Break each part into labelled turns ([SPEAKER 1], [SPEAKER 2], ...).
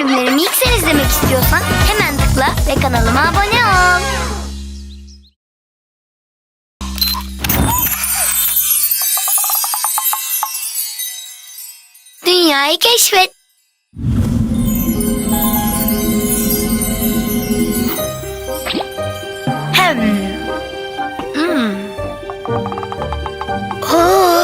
[SPEAKER 1] bölümlerimi ilk sen izlemek istiyorsan hemen tıkla ve kanalıma abone ol. Dünyayı keşfet. Oh.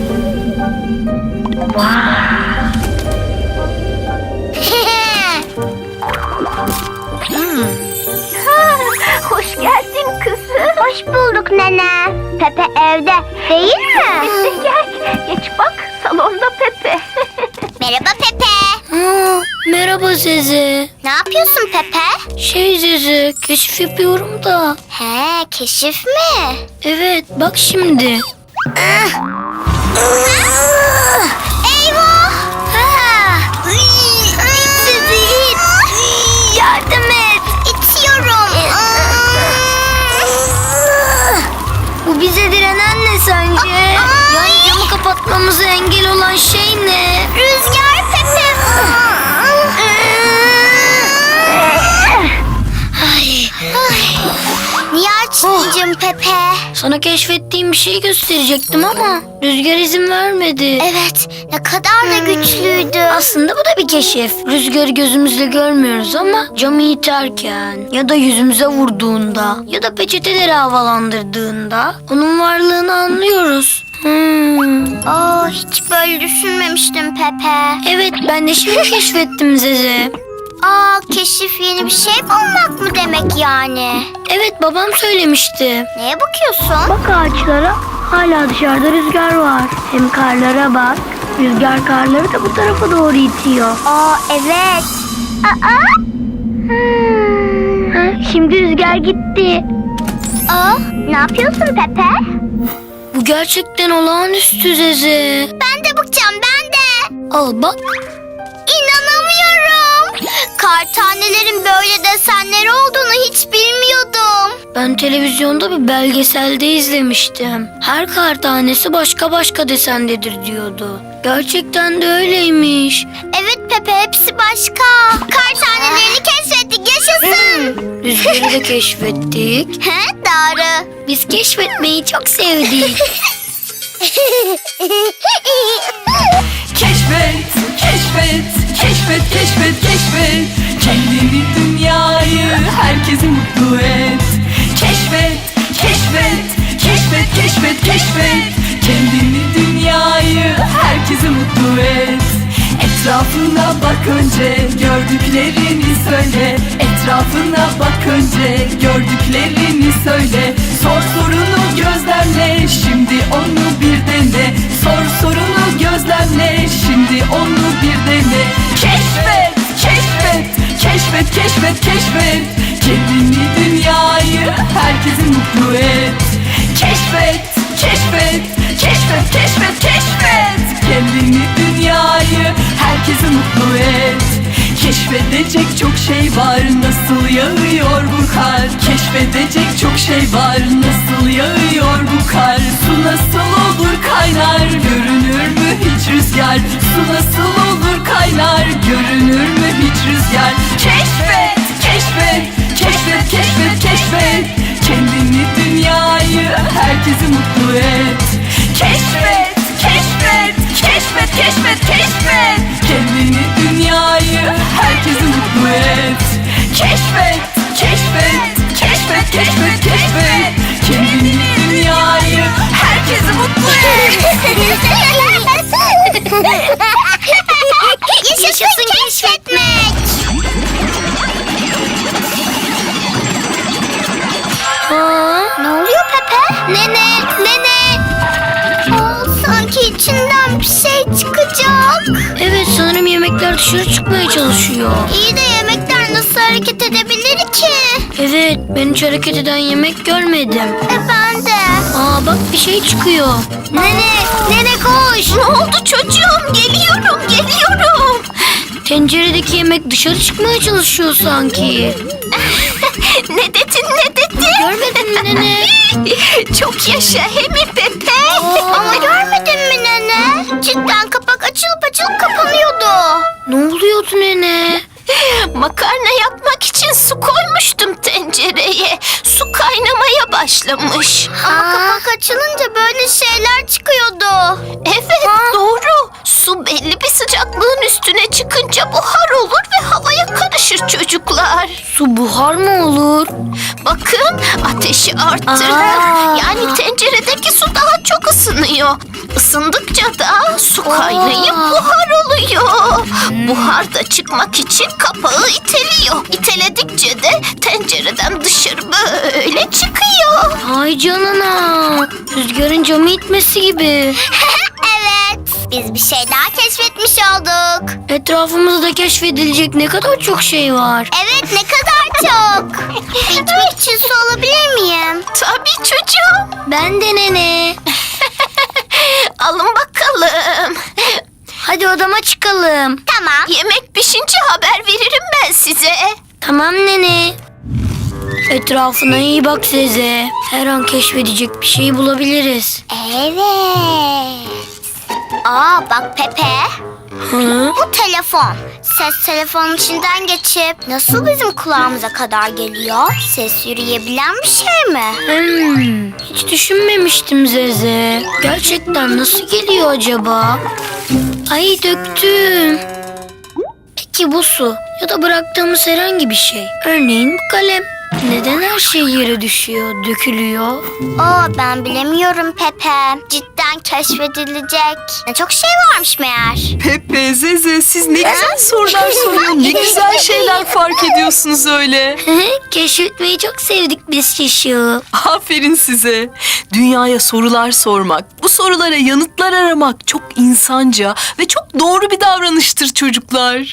[SPEAKER 2] Hoş geldin kızım. Hoş bulduk nene. Pepe evde değil mi? Gel geç bak, salonda Pepe. Merhaba Pepe.
[SPEAKER 1] Merhaba Zeze.
[SPEAKER 2] Ne yapıyorsun Pepe?
[SPEAKER 1] Zeze, keşif yapıyorum da.
[SPEAKER 2] He, keşif mi?
[SPEAKER 1] Evet, bak şimdi.
[SPEAKER 2] Eyvah! İt sizi it. Yardım et. İtiyorum.
[SPEAKER 1] Bu bize direnen ne sence? Yani camı kapatmamıza engel olan şey ne?
[SPEAKER 2] Rüzgar Pepe. Niye açmayacağım Pepe?
[SPEAKER 1] Sana keşfettiğim bir şey gösterecektim ama Rüzgar izin vermedi.
[SPEAKER 2] Evet, ne kadar da güçlüydü.
[SPEAKER 1] Aslında bu da bir keşif. Rüzgarı gözümüzle görmüyoruz ama camı iterken ya da yüzümüze vurduğunda ya da peçeteleri havalandırdığında onun varlığını anlıyoruz.
[SPEAKER 2] Hiç böyle düşünmemiştim Pepe.
[SPEAKER 1] Evet, ben de şimdi keşfettim Zeze.
[SPEAKER 2] Keşif yeni bir şey bulmak mı demek yani?
[SPEAKER 1] Evet, babam söylemişti.
[SPEAKER 2] Neye bakıyorsun?
[SPEAKER 1] Bak ağaçlara, hala dışarıda rüzgar var. Hem karlara bak. Rüzgar karları da bu tarafa doğru itiyor.
[SPEAKER 2] Evet.
[SPEAKER 1] Şimdi rüzgar gitti.
[SPEAKER 2] Ne yapıyorsun Pepe?
[SPEAKER 1] Bu gerçekten olağanüstü Zeze.
[SPEAKER 2] Ben de bakacağım, ben de.
[SPEAKER 1] Al bak.
[SPEAKER 2] İnanamıyorum. Kar tanelerin böyle desenleri olduğunu hiç bilmiyordum.
[SPEAKER 1] Ben televizyonda bir belgeselde izlemiştim. Her kar tanesi başka başka desendedir diyordu. Gerçekten de öyleymiş.
[SPEAKER 2] Evet Pepe, hepsi başka. Kar tanelerini keşfettik, yaşasın.
[SPEAKER 1] Rüzgarı da keşfettik.
[SPEAKER 2] Doğru.
[SPEAKER 1] Biz keşfetmeyi çok sevdik.
[SPEAKER 3] Keşfet, keşfet, keşfet, keşfet, keşfet. Kendini, dünyayı, herkesi mutlu et. Keşfet, keşfet, keşfet, keşfet, keşfet. Kendini, dünyayı, herkesi mutlu et. Etrafına bak önce, gördüklerini söyle. Etrafına bak önce, gördüklerini söyle. Sor sorunu gözlemle, şimdi onu bir dene. Sor sorunu gözlemle, şimdi onu bir dene. Keşfet, keşfet, keşfet, keşfet, keşfet. Kendini, dünyayı, herkesi mutlu et. Keşfet, keşfet, keşfet, keşfet, keşfet. Kendini, dünyayı, herkesi mutlu et. Keşfedecek çok şey var, nasıl yağıyor bu kar. Keşfedecek çok şey var, nasıl yağıyor bu kar. Su nasıl olur kaynar, görünür mü hiç rüzgar. Su nasıl olur kaynar, görünür mü hiç rüzgar. Keşfet, keşfet, keşfet, keşfet, keşfet. Kendini, dünyayı, herkesi mutlu et. Keşfet, keşfet, keşfet, keşfet, keşfet. Kendini, dünyayı, herkesi mutlu et. Keşfet, keşfet, keşfet, keşfet, keşfet. Kendini, dünyayı, herkesi mutlu et.
[SPEAKER 2] Yaşasın keşfetmek. Ne oluyor Pepe? Nene. Sanki içinden bir şey çıkacak.
[SPEAKER 1] Evet, sanırım yemekler dışarı çıkmaya çalışıyor.
[SPEAKER 2] İyi de yemekler nasıl hareket edebilir ki?
[SPEAKER 1] Evet, ben hiç hareket eden yemek görmedim.
[SPEAKER 2] Ben de.
[SPEAKER 1] Bak bir şey çıkıyor.
[SPEAKER 2] Nene koş. Ne oldu çocuğum? Geliyorum.
[SPEAKER 1] Tenceredeki yemek dışarı çıkmaya çalışıyor sanki.
[SPEAKER 2] Ne dedin?
[SPEAKER 1] Görmedin mi nene?
[SPEAKER 2] Çok yaşa he mi Pepe? Ama görmedin mi nene? Cidden kapak açılıp kapanıyordu.
[SPEAKER 1] Ne oluyordu nene?
[SPEAKER 2] Makarna yapmak için su koymuştum tencereye. Su kaynamaya başlamış. Ama kapak açılınca böyle şeyler çıkıyordu. Evet, doğru. Su belli bir sıcaklığın üstüne çıkınca buhar olur ve havaya karışır çocuklar.
[SPEAKER 1] Su buhar mı olur?
[SPEAKER 2] Bakın, ateşi arttırın. Yani tenceredeki su daha çok ısınıyor. Isındıkça da su kaynayıp buhar oluyor. Buhar da çıkmak için kapağı iteliyor. İteledikçe de tencereden dışarı böyle çıkıyor.
[SPEAKER 1] Ay canına. Rüzgarın camı itmesi gibi.
[SPEAKER 2] Evet, biz bir şey daha keşfetmiş olduk.
[SPEAKER 1] Etrafımızda keşfedilecek ne kadar çok şey var.
[SPEAKER 2] Evet, ne kadar çok. İçmek için su alabilir miyim? Tabii çocuğum.
[SPEAKER 1] Ben de nene.
[SPEAKER 2] Alın bakalım.
[SPEAKER 1] Hadi odama çıkalım.
[SPEAKER 2] Tamam. Yemek pişince haber veririm ben size.
[SPEAKER 1] Tamam nene. Etrafına iyi bak Zeze. Her an keşfedecek bir şey bulabiliriz.
[SPEAKER 2] Evet. Aa bak Pepe.
[SPEAKER 1] Hı?
[SPEAKER 2] Bu telefon. Ses telefonun içinden geçip nasıl bizim kulağımıza kadar geliyor? Ses yürüyebilen bir şey mi?
[SPEAKER 1] Hiç düşünmemiştim Zeze. Gerçekten nasıl geliyor acaba? Ay döktüm. Peki bu su ya da bıraktığımız herhangi bir şey. Örneğin bu kalem. Neden her şey yere düşüyor, dökülüyor?
[SPEAKER 2] Ben bilemiyorum Pepe. Cidden keşfedilecek ne çok şey varmış meğer.
[SPEAKER 3] Pepe, Zeze siz ne güzel sorular soruyor. Ne güzel şeyler fark ediyorsunuz öyle.
[SPEAKER 1] Keşfetmeyi çok sevdik biz Şişu.
[SPEAKER 3] Aferin size. Dünyaya sorular sormak, bu sorulara yanıtlar aramak çok insanca ve çok doğru bir davranıştır çocuklar.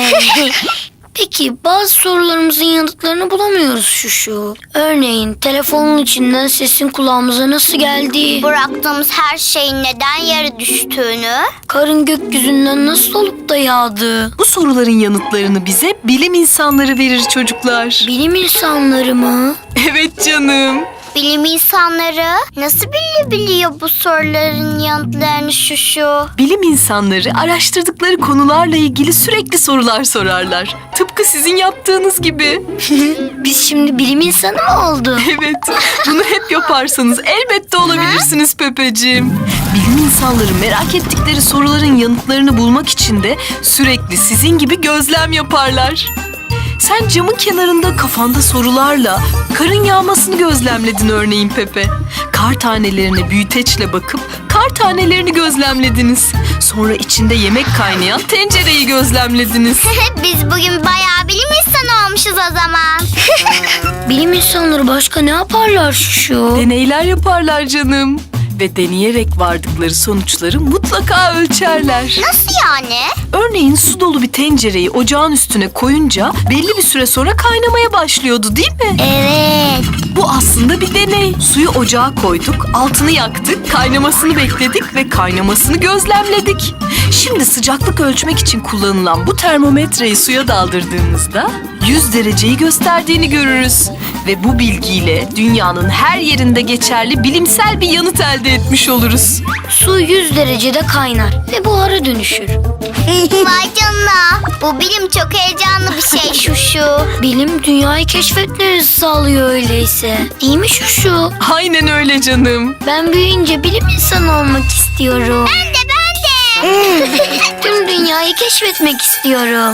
[SPEAKER 1] Peki bazı sorularımızın yanıtlarını bulamıyoruz Şuşu. Örneğin telefonun içinden sesin kulağımıza nasıl geldiği,
[SPEAKER 2] Bıraktığımız her şeyin neden yere düştüğünü.
[SPEAKER 1] karın gökyüzünden nasıl olup da yağdığı,
[SPEAKER 3] Bu soruların yanıtlarını bize bilim insanları verir çocuklar.
[SPEAKER 1] bilim insanları mı?
[SPEAKER 3] Evet canım.
[SPEAKER 2] Bilim insanları nasıl bilebiliyor bu soruların yanıtlarını Şuşu?
[SPEAKER 3] Bilim insanları araştırdıkları konularla ilgili sürekli sorular sorarlar. Tıpkı sizin yaptığınız gibi.
[SPEAKER 1] Biz şimdi bilim insanı mı olduk?
[SPEAKER 3] Evet, bunu hep yaparsanız elbette olabilirsiniz Pepeciğim. Bilim insanları merak ettikleri soruların yanıtlarını bulmak için de sürekli sizin gibi gözlem yaparlar. Sen camın kenarında kafanda sorularla karın yağmasını gözlemledin örneğin Pepe. Kar tanelerine büyüteçle bakıp kar tanelerini gözlemlediniz. Sonra içinde yemek kaynayan tencereyi gözlemlediniz.
[SPEAKER 2] Biz bugün bayağı bilim insanı olmuşuz o zaman.
[SPEAKER 1] Bilim insanları başka ne yaparlar Şuşu?
[SPEAKER 3] Deneyler yaparlar canım. Ve deneyerek vardıkları sonuçları mutlaka ölçerler.
[SPEAKER 2] Nasıl yani?
[SPEAKER 3] Örneğin su dolu bir tencereyi ocağın üstüne koyunca belli bir süre sonra kaynamaya başlıyordu değil mi?
[SPEAKER 2] Evet.
[SPEAKER 3] Bu aslında bir deney. Suyu ocağa koyduk, altını yaktık, kaynamasını bekledik ve kaynamasını gözlemledik. Şimdi sıcaklık ölçmek için kullanılan bu termometreyi suya daldırdığımızda 100 dereceyi gösterdiğini görürüz. Ve bu bilgiyle dünyanın her yerinde geçerli bilimsel bir yanıt elde etmiş oluruz.
[SPEAKER 1] Su 100 derecede kaynar ve buhara dönüşür.
[SPEAKER 2] Vay canına. Bu bilim çok heyecanlı bir şey Şuşu.
[SPEAKER 1] Bilim dünyayı keşfetmemizi sağlıyor öyleyse. Değil mi Şuşu?
[SPEAKER 3] Aynen öyle canım.
[SPEAKER 1] Ben büyüyünce bilim insanı olmak istiyorum.
[SPEAKER 2] Ben de.
[SPEAKER 1] Tüm dünyayı keşfetmek istiyorum.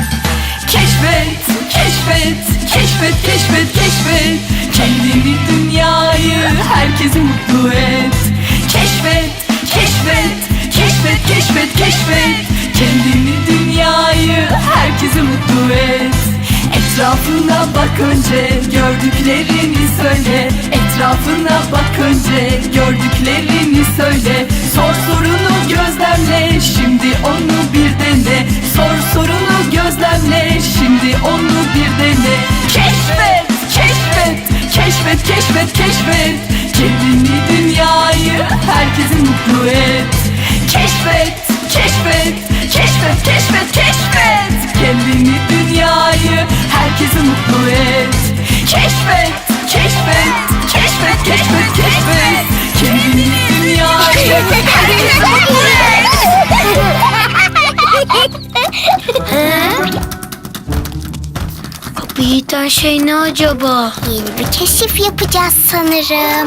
[SPEAKER 3] Keşfet, keşfet, keşfet, keşfet, keşfet. Kendini, dünyayı, herkesi mutlu et. Keşfet, keşfet, keşfet, keşfet, keşfet. Kendini, dünyayı, herkesi mutlu et. Etrafına bak önce, gördüklerini söyle. Etrafına bak önce, gördüklerini söyle. Sor sorunu gözlemle, şimdi onu bir dene. Sor sorunu gözlemle, şimdi onu bir dene. Keşfet, keşfet, keşfet, keşfet, keşfet. Kendini, dünyayı, herkesi mutlu et. Keşfet, keşfet, keşfet, keşfet, keşfet. Kendini, dünyayı, herkesi mutlu et. Keşfet, keşfet, keşfet, keşfet, keşfet. Kendini, dünyayı, herkesi mutlu et.
[SPEAKER 1] keşfeden şey ne acaba?
[SPEAKER 4] Yeni bir keşif yapacağız sanırım.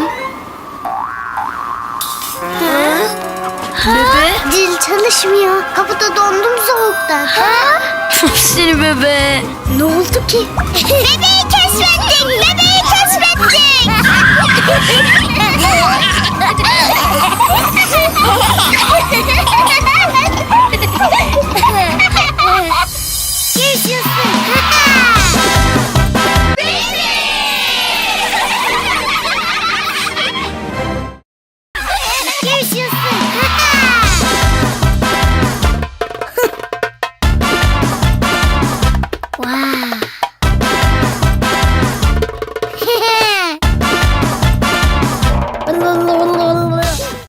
[SPEAKER 1] Bebe?
[SPEAKER 4] Dil çalışmıyor. Kapıda dondum soğuktan.
[SPEAKER 1] Seni bebe.
[SPEAKER 4] Ne oldu ki? Bebeği keşfettik! Bebeği keşfettik!